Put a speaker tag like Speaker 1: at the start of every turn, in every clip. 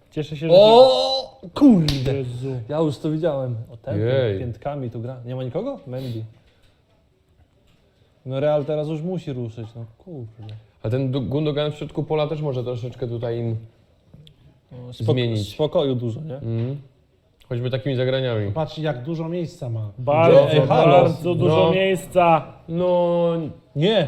Speaker 1: Cieszę się, że...
Speaker 2: O kurde!
Speaker 1: Jezu.
Speaker 2: Ja już to widziałem.
Speaker 3: O ten piętkami tu gra. Nie ma nikogo? Mendy. No Real teraz już musi ruszyć, no kurde.
Speaker 4: A ten Gundogan w środku pola też może troszeczkę tutaj im zmienić.
Speaker 3: Spokoju dużo, nie?
Speaker 4: Choćby takimi zagraniami.
Speaker 5: Patrz jak dużo miejsca ma.
Speaker 1: Bardzo,
Speaker 3: Ej, halo.
Speaker 1: bardzo dużo miejsca.
Speaker 4: No...
Speaker 3: Nie!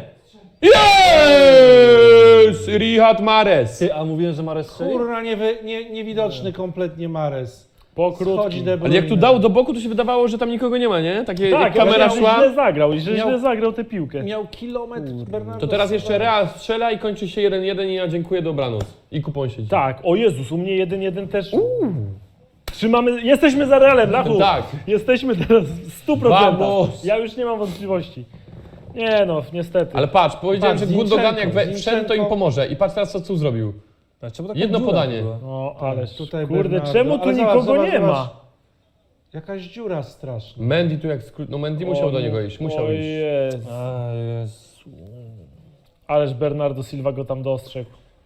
Speaker 4: Jest! Riyad Mahrez!
Speaker 3: Ty, a mówiłem, że Mares strzeli?
Speaker 5: Kurna, niewidoczny kompletnie Mares.
Speaker 1: Pokrótki.
Speaker 5: Wchodzi De
Speaker 4: Ale
Speaker 5: Bruyne.
Speaker 4: jak tu dał do boku, to się wydawało, że tam nikogo nie ma, nie? Takie
Speaker 1: Tak,
Speaker 4: jak kamera
Speaker 1: ale
Speaker 4: szła.
Speaker 1: źle zagrał, że
Speaker 5: Miał-
Speaker 1: źle zagrał tę piłkę.
Speaker 5: Miał kilometr Bernardo
Speaker 4: To teraz
Speaker 5: Silva.
Speaker 4: jeszcze Real strzela i kończy się 1-1 i ja dziękuję, dobranoc. I kupon siedzi.
Speaker 1: Tak, o Jezus, u mnie 1-1 też. Trzymamy, jesteśmy za Realem, Lachu.
Speaker 4: Tak.
Speaker 1: Jesteśmy teraz w 100%.
Speaker 4: Vamos.
Speaker 1: Ja już nie mam wątpliwości. Nie no, niestety.
Speaker 4: Ale patrz, powiedziałem,
Speaker 5: Patrz,
Speaker 4: że Gundogan jak
Speaker 5: Zinchenko,
Speaker 4: wszedł, to im pomoże. I patrz teraz, co zrobił.
Speaker 3: A czemu taka
Speaker 4: Jedno
Speaker 3: dziura
Speaker 4: podanie.
Speaker 3: była?
Speaker 1: No, ależ,
Speaker 5: Tutaj
Speaker 1: kurde,
Speaker 5: Bernardo.
Speaker 1: czemu tu
Speaker 5: Ale zobacz,
Speaker 1: nikogo
Speaker 5: zobacz,
Speaker 1: nie
Speaker 5: zobacz.
Speaker 1: ma?
Speaker 5: Jakaś dziura straszna.
Speaker 4: Mendy tu jak no Mendy musiał do niego iść, musiał
Speaker 1: o
Speaker 4: iść.
Speaker 1: Jezu.
Speaker 3: A, jest.
Speaker 1: Ależ Bernardo Silva go tam dostrzegł.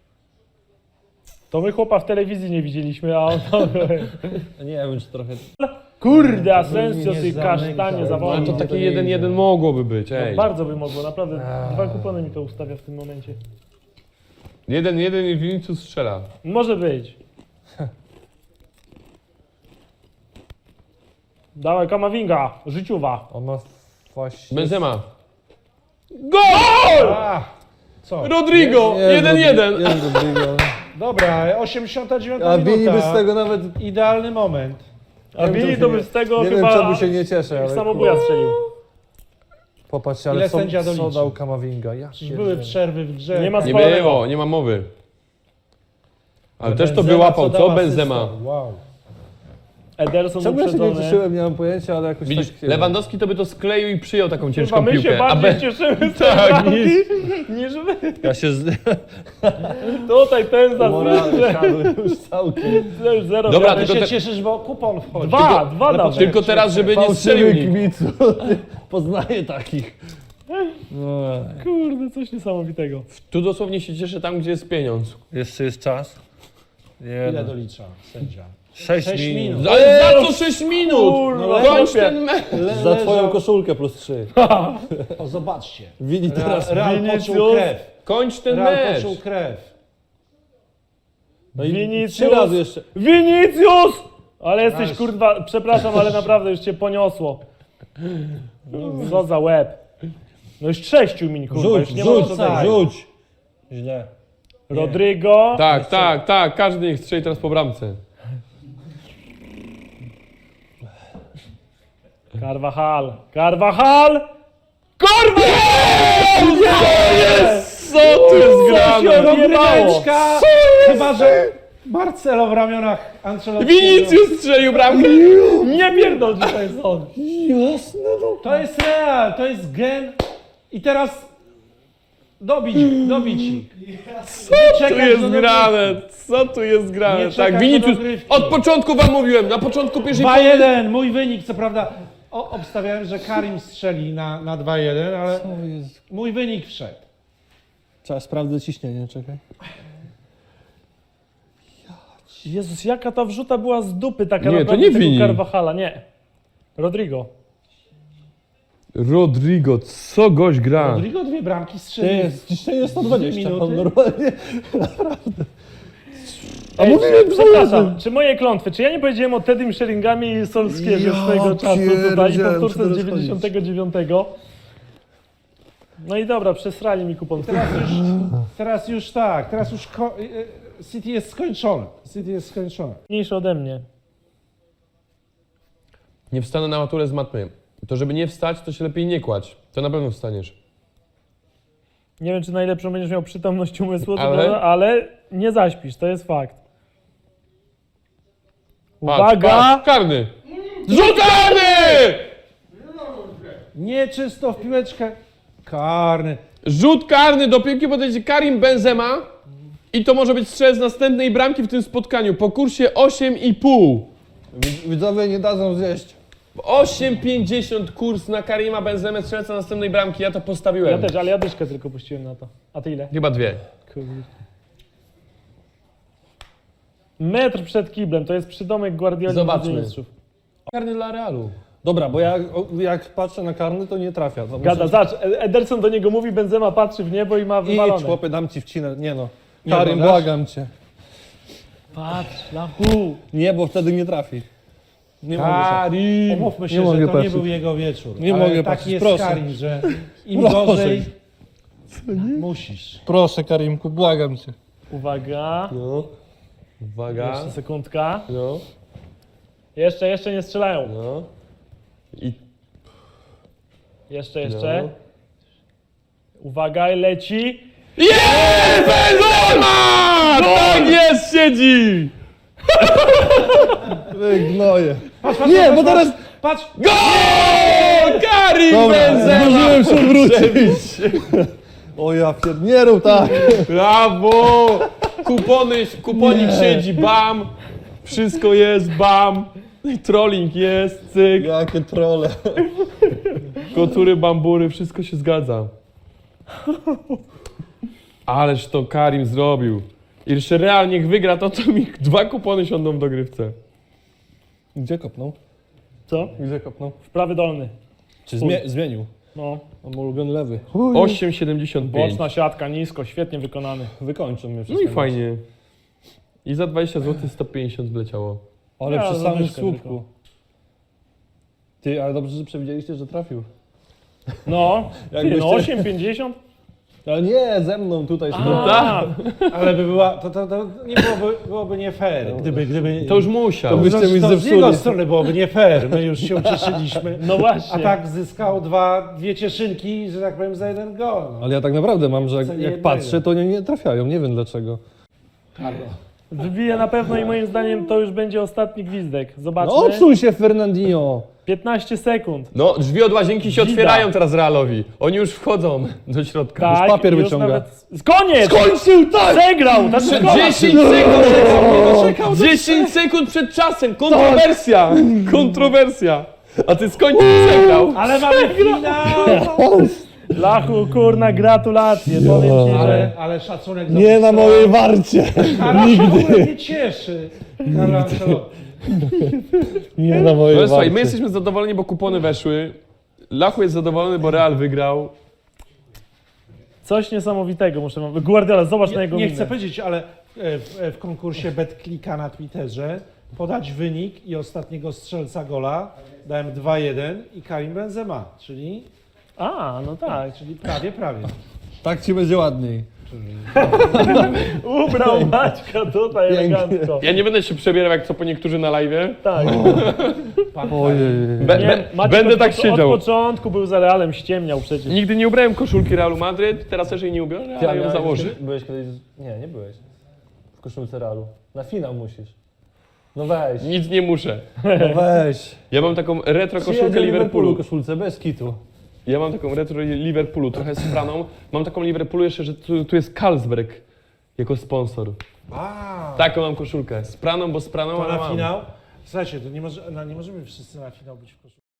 Speaker 1: To my chłopa w telewizji nie widzieliśmy, a on to...
Speaker 3: Nie wiem, czy trochę...
Speaker 1: Kurde, Asensio,
Speaker 5: nie
Speaker 1: ty
Speaker 5: zamykał.
Speaker 1: kasztanie
Speaker 4: No,
Speaker 1: zawodnik.
Speaker 4: ale to takie 1-1 mogłoby być,
Speaker 1: No,
Speaker 4: ej.
Speaker 1: bardzo by mogło, naprawdę. 2 kupony mi to ustawia w tym momencie.
Speaker 4: 1-1 i Vinicius strzela.
Speaker 1: Może być. Dawaj, Kamavinga, życiowa.
Speaker 3: On ma właśnie...
Speaker 4: Benzema. GOL!
Speaker 5: A, co?
Speaker 4: Rodrigo! 1-1.
Speaker 3: Jest Rodrigo.
Speaker 5: Dobra, 89
Speaker 3: A Bini
Speaker 5: minuta.
Speaker 3: by z tego nawet...
Speaker 5: Idealny moment.
Speaker 1: A Vini to by z tego
Speaker 3: Nie
Speaker 1: chyba
Speaker 3: wiem, czemu się nie cieszę, ale...
Speaker 1: samobuja strzelił.
Speaker 3: Popatrzcie,
Speaker 5: Ile
Speaker 3: ale
Speaker 5: sędzia
Speaker 3: co
Speaker 5: doliczy?
Speaker 3: dał Kamavinga? Ja
Speaker 5: Przecież były przerwy w grze.
Speaker 1: Nie ma
Speaker 4: Nie
Speaker 1: spalonego.
Speaker 4: było, nie ma mowy. Ale też to
Speaker 5: Benzema,
Speaker 4: wyłapał,
Speaker 5: co
Speaker 4: co
Speaker 5: dał
Speaker 4: Benzema?
Speaker 5: asystę. Wow.
Speaker 1: Ederson
Speaker 3: Czemu ja się nie
Speaker 1: uprzedzony.
Speaker 3: cieszyłem, nie mam pojęcia, ale jakoś
Speaker 4: Widzisz,
Speaker 3: tak...
Speaker 4: Lewandowski to by to skleił i przyjął taką
Speaker 1: Chyba
Speaker 4: ciężką
Speaker 1: my się
Speaker 4: piłkę.
Speaker 1: bardziej cieszymy z tej
Speaker 4: Tak,
Speaker 1: bramki, niż wy.
Speaker 3: Ja się z...
Speaker 1: Tutaj ten za
Speaker 3: Morale siadły już całkiem.
Speaker 1: To już zero.
Speaker 4: Dobra,
Speaker 1: wiary.
Speaker 5: Ale
Speaker 4: tylko
Speaker 5: się
Speaker 4: te-
Speaker 5: cieszysz, bo kupon wchodzi.
Speaker 1: Dwa
Speaker 5: Ale
Speaker 1: dał.
Speaker 4: Tylko teraz, żeby nie strzelił
Speaker 3: Fałszywy
Speaker 4: nikt.
Speaker 3: kibicu. Poznaję takich. No,
Speaker 1: Kurde, coś niesamowitego.
Speaker 4: Tu dosłownie się cieszę tam, gdzie jest pieniądz.
Speaker 3: jeszcze jest czas.
Speaker 5: Ile dolicza sędzia?
Speaker 3: 6
Speaker 5: 6
Speaker 3: minut.
Speaker 5: minut.
Speaker 4: Ale za co 6 minut?
Speaker 1: Kurwa,
Speaker 4: Kończ
Speaker 1: chłopie.
Speaker 4: ten mecz!
Speaker 3: Za twoją koszulkę plus 3.
Speaker 5: O, zobaczcie.
Speaker 3: Wini teraz...
Speaker 5: Real
Speaker 1: Vinicius.
Speaker 5: poczuł krew.
Speaker 4: Kończ ten
Speaker 5: Real
Speaker 4: mecz!
Speaker 5: poczuł krew.
Speaker 3: No i
Speaker 1: Vinicius.
Speaker 3: 3 razy jeszcze.
Speaker 1: Vinicius! Ale jesteś
Speaker 5: Aż.
Speaker 1: kurwa, przepraszam, ale naprawdę już cię poniosło. Co za łeb. No już 6 min, kurwa, już nie ma co dać.
Speaker 3: rzuć. Źle.
Speaker 1: Rodrigo.
Speaker 4: Tak, każdy niech strzeli teraz po bramce.
Speaker 1: Carvajal. Carvajal!
Speaker 4: Co tu jest grane?
Speaker 5: Rąbeczka! Chyba, że Marcelo w ramionach Ancelotti.
Speaker 4: Vinicius strzelił bramkę!
Speaker 1: Nie pierdol, że to jest on.
Speaker 3: Jasne, no.
Speaker 5: To jest Real, to jest gen. I teraz dobić ich.
Speaker 4: Co tu jest grane? Co tu jest
Speaker 5: Nie
Speaker 4: grane?
Speaker 5: czekać
Speaker 4: Tak,
Speaker 5: do
Speaker 4: Vinicius,
Speaker 5: dogrywki.
Speaker 4: od początku wam mówiłem, na początku pierwszej połowy.
Speaker 5: 2-1, mój wynik, co prawda. Obstawiałem, że Karim strzeli na 2-1, ale mój wynik wszedł.
Speaker 3: Trzeba sprawdzę ciśnienie, czekaj.
Speaker 1: Jezus, jaka ta wrzuta była z dupy taka
Speaker 4: Nie, to
Speaker 1: naprawdę
Speaker 4: nie
Speaker 1: tego
Speaker 4: Vini.
Speaker 1: Carvajala, nie. Rodrigo.
Speaker 4: Rodrigo, co gość gra?
Speaker 5: Rodrigo 2 bramki strzelił.
Speaker 3: Ciśnienie 120,
Speaker 5: Minuty.
Speaker 3: pan normalnie.
Speaker 1: Ej,
Speaker 3: mówiłem
Speaker 1: przepraszam, czy moje klątwy, czy ja nie powiedziałem o Teddym Sheringhamie i Solskierze
Speaker 3: Ja
Speaker 1: swojego czasu tutaj i
Speaker 3: pierdzielę,
Speaker 1: powtórce z
Speaker 3: muszę
Speaker 1: 99. No i dobra, przesrali mi kupon.
Speaker 5: Teraz już tak, City jest skończone. City jest skończone.
Speaker 1: Mniejszy ode mnie.
Speaker 4: Nie wstanę na maturę z matmy. To żeby nie wstać, to się lepiej nie kładź. To na pewno wstaniesz.
Speaker 1: Nie wiem, czy najlepszą będziesz miał przytomność umysłu,
Speaker 4: Ale?
Speaker 1: ale nie zaśpisz, to jest fakt.
Speaker 4: Patrz,
Speaker 1: Uwaga!
Speaker 4: patrz, karny! Rzut karny!
Speaker 5: Nieczysto w piłeczkę. Karny.
Speaker 4: Rzut karny do piłki podejdzie Karim Benzema i to może być strzelec następnej bramki w tym spotkaniu po kursie 8,5.
Speaker 3: Widzowie nie dadzą zjeść.
Speaker 4: 8,50 kurs na Karima Benzemę, strzelca następnej bramki, ja to
Speaker 1: Ja
Speaker 4: postawiłem.
Speaker 1: też, ale ja dyszkę tylko puściłem na to. A ty ile?
Speaker 4: Chyba 2.
Speaker 1: Kurde. Metr przed kiblem, to jest przydomek Guardioli
Speaker 2: Zobaczmy.
Speaker 1: Ligi Mistrzów.
Speaker 2: Karny dla Realu.
Speaker 3: Dobra, bo jak patrzę na karny, to nie trafia. To
Speaker 1: Gada, zobacz, Ederson do niego mówi, Benzema patrzy w niebo i ma wywalone.
Speaker 3: Idź, chłopie, dam ci wcinę. Nie no.
Speaker 5: Nie,
Speaker 3: Karim,
Speaker 5: bo dasz?
Speaker 3: błagam cię.
Speaker 1: Patrz, Lachu.
Speaker 3: Nie, bo wtedy nie trafi. Nie mogę.
Speaker 4: Karim!
Speaker 5: Umówmy się,
Speaker 3: Nie
Speaker 5: że
Speaker 3: mogę
Speaker 5: to
Speaker 3: patrzeć.
Speaker 5: nie był jego wieczór.
Speaker 3: Nie
Speaker 5: ale
Speaker 3: mogę
Speaker 5: taki
Speaker 3: patrzeć,
Speaker 5: jest
Speaker 3: proszę.
Speaker 5: Karim, że im
Speaker 3: Proszę.
Speaker 5: gorzej musisz.
Speaker 3: Proszę, Karimku, błagam cię.
Speaker 1: Uwaga,
Speaker 4: No. Uwaga.
Speaker 1: jeszcze sekundka.
Speaker 4: No.
Speaker 1: Jeszcze nie strzelają.
Speaker 4: No. I
Speaker 1: Jeszcze.
Speaker 4: no.
Speaker 1: Uwaga, leci.
Speaker 4: Jest! Benzema! Tak jest, siedzi!
Speaker 3: Wy gnoje.
Speaker 5: Patrz,
Speaker 3: Nie, bo teraz...
Speaker 5: Patrz!
Speaker 4: Gol! Karim
Speaker 3: Dobra,
Speaker 4: Benzema!
Speaker 3: zdążyłem się odwrócić. O ja nie rób tak.
Speaker 4: Brawo! Kuponik siedzi, bam! Wszystko jest, bam! Trolling jest, cyk!
Speaker 3: Jakie trolle.
Speaker 4: Kotury, bambury, wszystko się zgadza. Ależ to Karim zrobił. I jeszcze Real niech wygra, to mi 2 kupony siądą w dogrywce.
Speaker 3: Gdzie kopnął?
Speaker 1: Co?
Speaker 3: Gdzie kopnął?
Speaker 1: W prawy dolny.
Speaker 3: Czy zmienił?
Speaker 1: No,
Speaker 3: On ma ulubiony lewy.
Speaker 4: 8,75.
Speaker 1: boczna siatka, nisko, świetnie wykonany.
Speaker 3: Wykończył mnie
Speaker 4: No
Speaker 3: wszystko.
Speaker 4: i fajnie. I za 20 zł 150 wleciało.
Speaker 3: Ale
Speaker 1: Ja
Speaker 3: przy samym
Speaker 1: zadyszkę
Speaker 3: słupku.
Speaker 1: tylko.
Speaker 3: Ty, ale dobrze, że przewidzieliście, że trafił.
Speaker 1: No, ty,
Speaker 3: Jakbyście-
Speaker 1: no 8,50?
Speaker 3: Ale nie, ze mną tutaj.
Speaker 1: A,
Speaker 5: Ale by była, to nie byłoby nie fair, gdyby
Speaker 4: To już musiał.
Speaker 3: To byście mi
Speaker 5: to z
Speaker 3: zepsuli.
Speaker 5: jego strony byłoby nie fair, my już się ucieszyliśmy.
Speaker 1: no właśnie.
Speaker 5: A tak zyskał dwie cieszynki, że tak powiem, za jeden gol. No.
Speaker 3: Ale ja tak naprawdę mam, że
Speaker 5: Co
Speaker 3: jak
Speaker 5: nie jednego.
Speaker 3: patrzę, to nie trafiają. Nie wiem dlaczego.
Speaker 1: Wybije na pewno i moim zdaniem to już będzie ostatni gwizdek. Zobaczmy.
Speaker 3: No odsuń się, Fernandinho.
Speaker 1: 15 sekund.
Speaker 4: No, drzwi od łazienki się
Speaker 1: Gida.
Speaker 4: otwierają teraz Realowi. Oni już wchodzą do środka.
Speaker 1: Tak,
Speaker 3: papier
Speaker 1: już
Speaker 3: wyciąga.
Speaker 1: Nawet... Koniec!
Speaker 3: Skończył, tak!
Speaker 1: Przegrał! Ta szkoda.
Speaker 4: 10 sekund! 10 sekund przed czasem! Kontrowersja! Kontrowersja! A ty skończył przegrał.
Speaker 5: Ale mamy finał!
Speaker 1: Lachu, kurna, gratulacje. Powiem ci, że...
Speaker 5: Ale szacunek za
Speaker 3: Nie na mojej warcie.
Speaker 5: Karasz w ogóle mnie cieszy. Karol Ancelotti.
Speaker 3: Nie na mojej
Speaker 4: No
Speaker 3: warcie.
Speaker 4: słuchaj, my jesteśmy zadowoleni, bo kupony weszły. Lachu jest zadowolony, bo Real wygrał.
Speaker 1: Coś niesamowitego muszę wam... Guardiola, zobacz na jego
Speaker 5: Nie
Speaker 1: minę.
Speaker 5: chcę powiedzieć, ale w konkursie BetClicka na Twitterze podać wynik i ostatniego strzelca gola dałem 2-1 i Karim Benzema, czyli
Speaker 1: A, no tak.
Speaker 5: prawie.
Speaker 3: Tak ci będzie ładniej.
Speaker 1: Ubrał Maćka tutaj
Speaker 3: Pięknie.
Speaker 1: elegancko.
Speaker 4: Ja nie będę się przebierał jak co po niektórzy na live.
Speaker 1: Tak.
Speaker 3: Ojej.
Speaker 1: Maciek
Speaker 4: Będę
Speaker 1: od,
Speaker 4: tak siedział.
Speaker 1: Od początku był za Realem, ściemniał przecież.
Speaker 4: Nigdy nie ubrałem koszulki Realu Madryt, teraz też jej nie ubiorę, ale ją założę.
Speaker 2: Byłeś kiedyś... Nie byłeś. W koszulce Realu. Na finał musisz. No weź.
Speaker 4: Nic nie muszę.
Speaker 3: No weź.
Speaker 4: Ja mam taką retro koszulkę
Speaker 3: Przyjadę
Speaker 4: Liverpoolu.
Speaker 3: koszulce, bez kitu.
Speaker 4: Ja mam taką retro Liverpoolu, trochę z Franą. Mam taką Liverpoolu jeszcze, że tu jest Carlsberg jako sponsor. Taką mam koszulkę. Z Praną, bo z Praną,
Speaker 5: To
Speaker 4: ale
Speaker 5: na
Speaker 4: mam.
Speaker 5: finał. Słuchajcie, to nie możemy wszyscy na finał być w koszulce.